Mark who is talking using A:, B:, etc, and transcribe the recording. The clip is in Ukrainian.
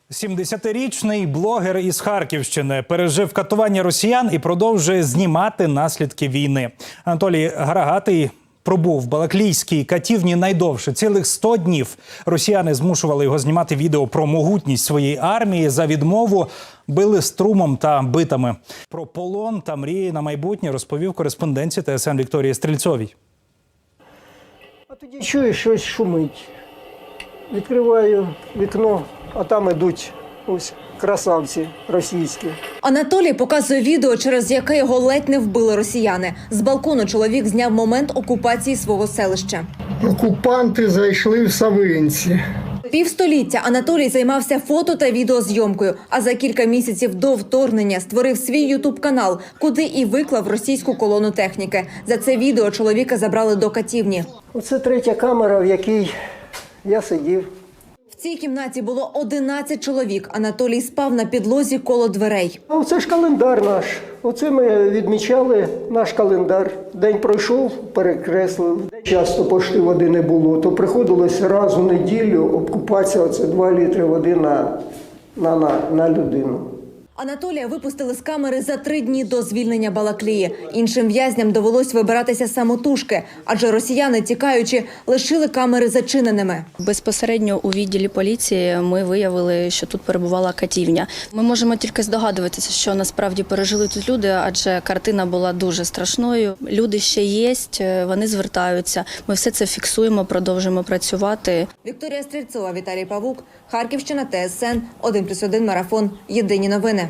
A: 70-річний блогер із Харківщини пережив катування росіян і продовжує знімати наслідки війни. Анатолій Гарагатий пробув в балаклійській катівні найдовше – цілих 100 днів. Росіяни змушували його знімати відео про могутність своєї армії. За відмову били струмом та битами. Про полон та мрії на майбутнє розповів кореспонденті ТСН Вікторії Стрільцовій.
B: А тоді чую, щось шумить. Відкриваю вікно, а там ідуть ось красавці російські.
C: Анатолій показує відео, через яке його ледь не вбили росіяни. З балкону чоловік зняв момент окупації свого селища.
B: Окупанти зайшли в Савинці.
C: Півстоліття Анатолій займався фото та відеозйомкою, а за кілька місяців до вторгнення створив свій ютуб-канал, куди і виклав російську колону техніки. За це відео чоловіка забрали до катівні.
B: Оце третя камера, в якій я сидів.
C: В цій кімнаті було 11 чоловік. Анатолій спав на підлозі коло дверей.
B: А оце ж календар наш. Оце ми відмічали наш календар. День пройшов, перекреслили. Часто пошти води не було, то приходилось раз у неділю обкупатися. Оце 2 літри води на людину.
C: Анатолія випустили з камери за 3 дні до звільнення Балаклії. Іншим в'язням довелось вибиратися самотужки, адже росіяни, тікаючи, лишили камери зачиненими.
D: Безпосередньо у відділі поліції ми виявили, що тут перебувала катівня. Ми можемо тільки здогадуватися, що насправді пережили тут люди, адже картина була дуже страшною. Люди ще є, вони звертаються. Ми все це фіксуємо, продовжуємо працювати.
C: Вікторія Стрільцова, Віталій Павук, Харківщина, ТСН, 1+1 марафон. Єдині новини.